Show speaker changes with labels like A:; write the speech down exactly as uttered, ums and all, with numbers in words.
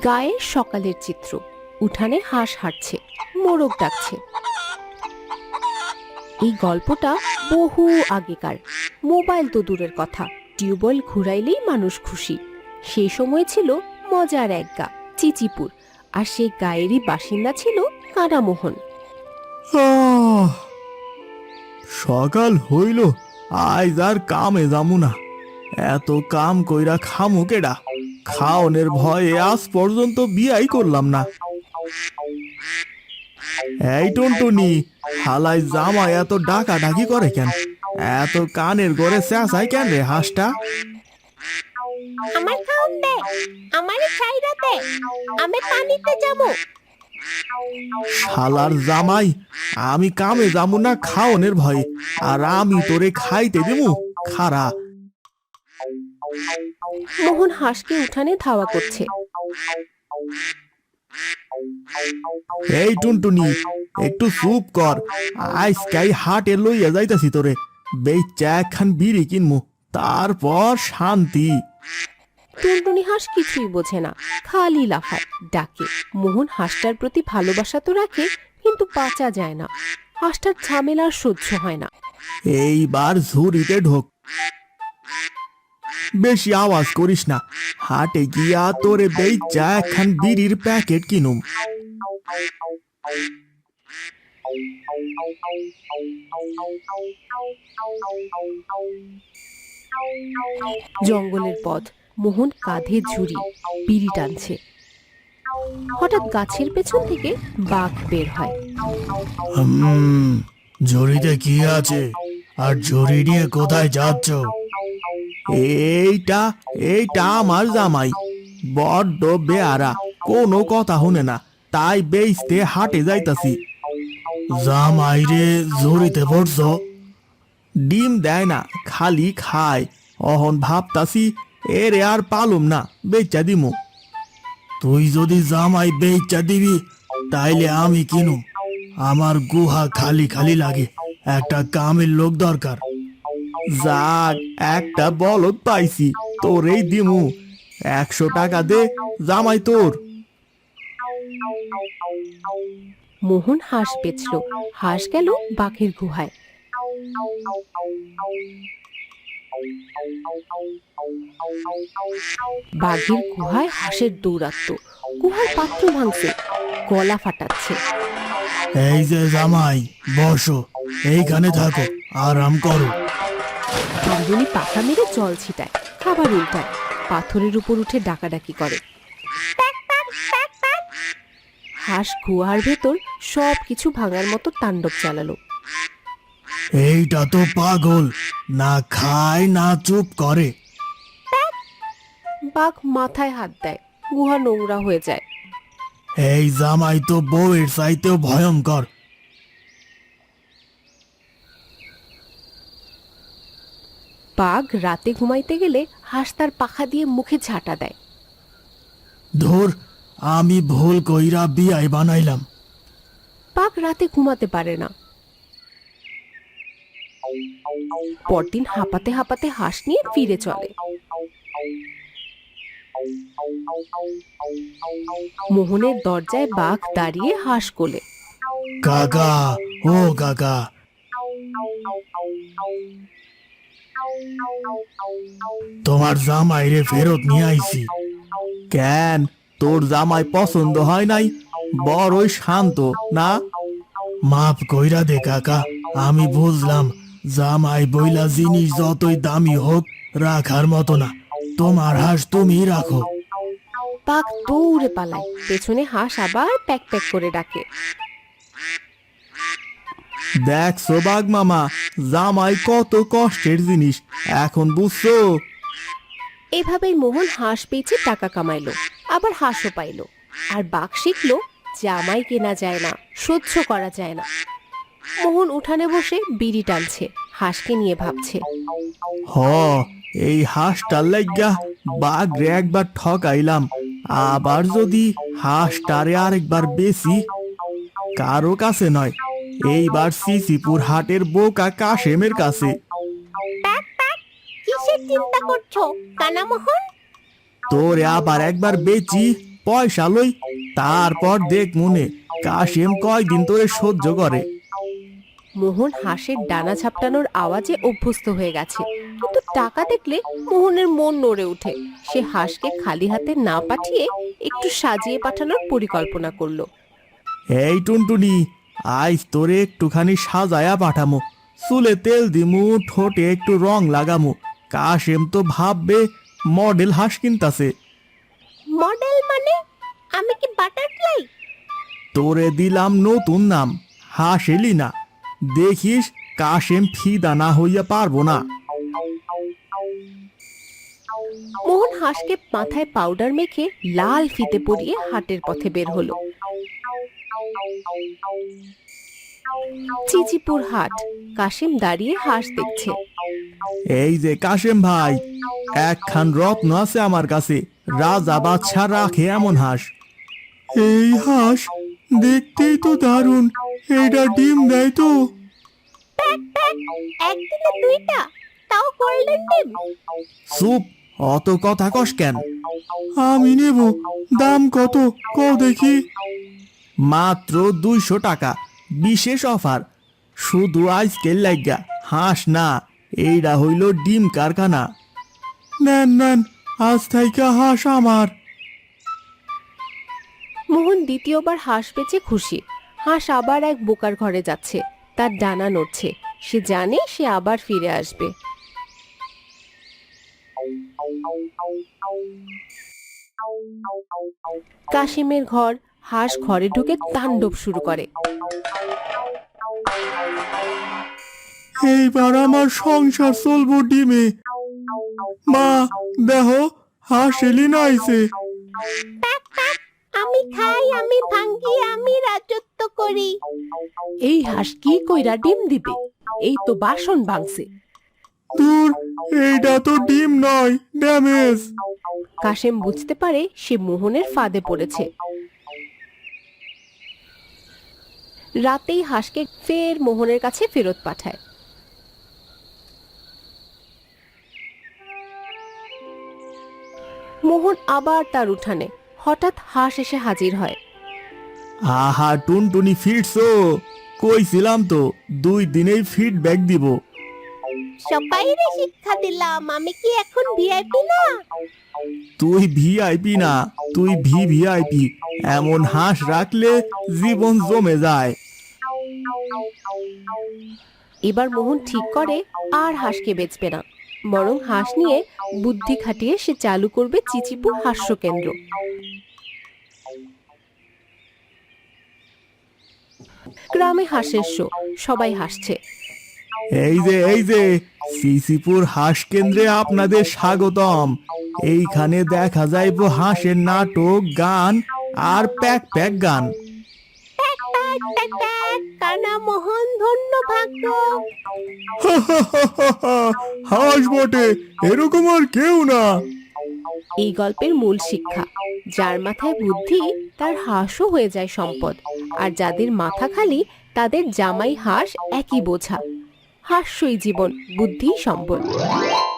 A: গায়ে সকালের চিত্র। উঠানে হাঁস হাঁটছে, মোরগ ডাকছে। এই গল্পটা বহু আগেকার। মোবাইল তো দূরের কথা, টিউবওয়েল ঘুরাইলেই মানুষ খুশি। সেই সময় ছিল মজার এক গা, চিচিপুর, আর সেই গায়েরই বাসিন্দা ছিল কানামোহন।
B: সকাল হইল, আজ আর কামে যামু না। এত কাম কইরা খামু কেডা? খাওনের ভয়ে আজ পর্যন্ত বিয়াই করলাম না। এই টুনটুনি, হালাই জামাই এত ডাকা ডাকি করে কেন? এত কানের গড়ে চেঁচাই কেন রে হাঁসটা?
A: আমার খাওন দে, আমারে ছাইরা দে, আমি পানিতে যাবো।
B: শালার জামাই, আমি কামে যামু না খাওনের ভয়ে, আর আমি তোরে খাইতে দিমু? খারা।
A: মোহন হাঁসকে উঠানে ধাওয়া করছে।
B: এই টুনটুনি, একটু চুপ কর। আজকাই হাটে লইয়া যাইতাছি তোরে, বেচা একখান বিড়ি কিনমু, তারপর শান্তি।
A: টুনটুনি হাঁস কিছুই বোঝে না, খালি লাফায়, ডাকে। মোহন হাঁসটার প্রতি ভালোবাসা তো রাখে, কিন্তু বাঁচা যায় না। হাঁসটার ঝামেলা আর সহ্য হয় না।
B: এইবার ঝুড়িতে ঢোক, বেশি আওয়াজ করিস না। হাটে গিয়া তোরে বেচা একখান বিড়ির প্যাকেট কিনুম।
A: জঙ্গলের পথ, মোহন কাঁধে ঝুড়ি, বিড়ি টানছে। হঠাৎ গাছের পেছন থেকে বাঘ বের হয়।
B: হুম, ঝুড়িতে কি আছে? আর ঝুড়ি নিয়ে কোথায় যাচ্ছ? এইটা এইটা আমার জামাই, বড্ড বেয়ারা, কোনো কথা শুনে না, তাই বেচতে হাটে যাইতাছি। জামাই রে, ঝুড়িতে পড়ছ? ডিম দেয় না, খালি খায়। অহন ভাবতাছি এরে আর পালুম না, বেচা দিমু। তুই যদি জামাই বেচা দিবি, তাইলে আমি কিনুম। আমার গুহা খালি খালি লাগে, একটা কামের লোক দরকার। যাক, একটা বলদ পাইছি, তোরেই দিমু। একশো টাকা দে, জামাই তোর।
A: মোহন হাঁস বেচল। হাঁস গেল বাঘের গুহায়। বাঘের গুহায় হাঁসের দৌরাত্ম। গুহার পাত্র ভাঙছে, গলা ফাটাচ্ছে।
B: এই যে জামাই, বসো, এইখানে থাকো, আরাম করো।
A: টুনটুনি পাখা মেরে জল ছিটায়, খাবার উল্টায়, পাথরের উপর উঠে ডাকাডাকি করে। হাঁস গুহার ভেতর সব কিছু ভাঙার মতো তাণ্ডব চালালো।
B: এইটা তো পাগল, না খায় না চুপ করে।
A: বাঘ মাথায় হাত দেয়, গুহা নোংরা হয়ে যায়।
B: এই জামাই তো বউয়ের চাইতেও ভয়ঙ্কর।
A: বাঘ রাতে ঘুমাইতে গেলে হাঁস তার পাখা দিয়ে মুখে ঝাঁটা দেয়।
B: ধুর, আমি ভুল কইরা বিয়াই বানাইলাম।
A: বাঘ রাতে ঘুমাতে পারে না। পরদিন হাঁপাতে হাঁপাতে হাঁস নিয়ে ফিরে চলে। মোহনের দরজায় বাঘ দাঁড়িয়ে হাঁস কোলে।
B: কাকা, ও কাকা। তোমার জামাই রে ফেরত নিয়ে আইছি। কেন, তোর জামাই পছন্দ হয় নাই? বড়ই শান্ত না? মাফ কইরা দে কাকা, আমি বুঝলাম জামাই বইলা জিনিস যতই দামি হোক, রাখার মতো না। তোমার হাঁস তুমি রাখো।
A: বাঘ দৌড়ে পালায়, পেছনে হাঁস আবার প্যাক প্যাক করে ডাকে।
B: দেখছো বাঘ মামা, জামাই কত কষ্টের জিনিস, এখন বুঝছো?
A: এভাবেই মোহন হাঁস বেচে টাকা কামাইলো, আবার হাঁসও পাইলো। আর বাঘ শিখলো জামাই কেনা যায় না, সহ্য করা যায় না। মোহন উঠানে বসে বিড়ি টানছে, হাঁসকে নিয়ে ভাবছে।
B: হ, এই হাঁসটার লাইগা বাঘ রে একবার ঠকাইলাম, আবার যদি হাঁসটারে আরেকবার বেশি, কারো কাছে নয়, এইবার সিসিপুর হাটের বোকা কাশেমের কাছে।
A: কিসের চিন্তা করছো কানামোহন?
B: তোরে আবার একবার বেচি, পয়সা লই, তারপর দেখ মনে কাশেম কয়দিন তোরে সহ্য করে।
A: মোহন হাঁসের ডানা ঝাপটানোর আওয়াজে অভ্যস্ত হয়ে গেছে, কিন্তু টাকা দেখলে মোহনের মন নড়ে ওঠে। সে হাঁসকে খালি হাতে না পাঠিয়ে একটু সাজিয়ে পাঠানোর পরিকল্পনা করলো।
B: এই টুনটুনি, আজ তোরে একটুখানি সাজায়া পাঠামো, চুলে তেল দিমু, ঠোঁটে একটু রং লাগামু। কাশেম তো ভাববে মডেল হাঁস কিনতাছে।
A: মডেল মানে? আমি কি বাটারফ্লাই?
B: তোরে দিলাম নতুন নাম, হাঁস এলিনা। দেখিস কাশেম ফিদা না হইয়া পারবো না।
A: মোহন হাঁসকে মাথায় পাউডার মেখে লাল ফিতে পরিয়ে হাটের পথে বের হলো। চিচিপুর হাট। কাশিম দাঁড়িয়ে হাঁস দেখছে।
B: এই যে কাশেম ভাই, একখান রত্ন আছে আমার কাছে, রাজা বাদশা রাখে এমন হাঁস। এই হাঁস দেখতেই তো দারুণ, এটা ডিম দেয় তো?
A: একদিনে দুইটা, তাও গোল্ডেন ডিম।
B: চুপ, অত কথা কস কেন? আমি নেব, দাম কত কও দেখি। মাত্র দুইশো টাকা, বিশেষ অফার, শুধু আজকের লাগা। হাঁস না, এইটা হইল ডিম কারখানা। নেন নেন, আজ থেকে হাঁস আমার।
A: মোহন দ্বিতীয়বার হাঁস বেচে খুশি। হাঁস আবার এক বোকার ঘরে যাচ্ছে, তার ডানা নড়ছে। সে জানে সে আবার ফিরে আসবে। কাশিমের ঘর। হাঁস ঘরে ঢুকে তাণ্ডব শুরু করে।
B: এইবার আমার সংসার চলবো ডিমে। মা দেহ, হাঁস এলি না আইছে।
A: আমি খাই, আমি ভাঙ্গি, আমি রাজত্ব করি। এই হাঁস কি কইরা ডিম দিবে? এই তো বাসন ভাঙছে।
B: দূর, এইটা তো ডিম নয়, ড্যামেজ।
A: কাশেম বুঝতে পারে সে মোহনের ফাঁদে পড়েছে। রাতেই হাঁসকে ফের মোহনের কাছে ফেরত পাঠায়। মোহন আবার তার উঠানে। হঠাৎ হাঁস এসে হাজির হয়।
B: আহা টুনটুনি, ফিরছো? কইছিলাম তো দুই দিনেই ফিডব্যাক দিব।
A: সবাইরে শিক্ষা দিলাম, আমি কি এখন ভিআইপি না?
B: তুই ভিআইপি না, তুই ভি ভিআইপি। এমন হাঁস রাখলে জীবন জমে যায়।
A: এবার মোহন ঠিক করে আর হাঁসকে বেচবে না, বরং হাঁস নিয়ে বুদ্ধি খাটিয়ে সে চালু করবে চিচিপুর হাস্য কেন্দ্র। গ্রামে হাঁসের শো, সবাই হাসছে।
B: এই যে এই যে সিসিপুর হাঁস কেন্দ্রে আপনাদের স্বাগতম। এইখানে দেখা যাইব হাঁসের নাটক, গান আর প্যাক প্যাক গান।
A: কানা মোহন, ধন্য ভাগ্য।
B: হাঁস বটে, এরকম আর কেউ না।
A: এই গল্পের মূল শিক্ষা, যার মাথায় বুদ্ধি তার হাঁসও হয়ে যায় সম্পদ, আর যাদের মাথা খালি তাদের জামাই হাঁস একই বোঝা। হাস্যই জীবন, বুদ্ধিই সম্পদ।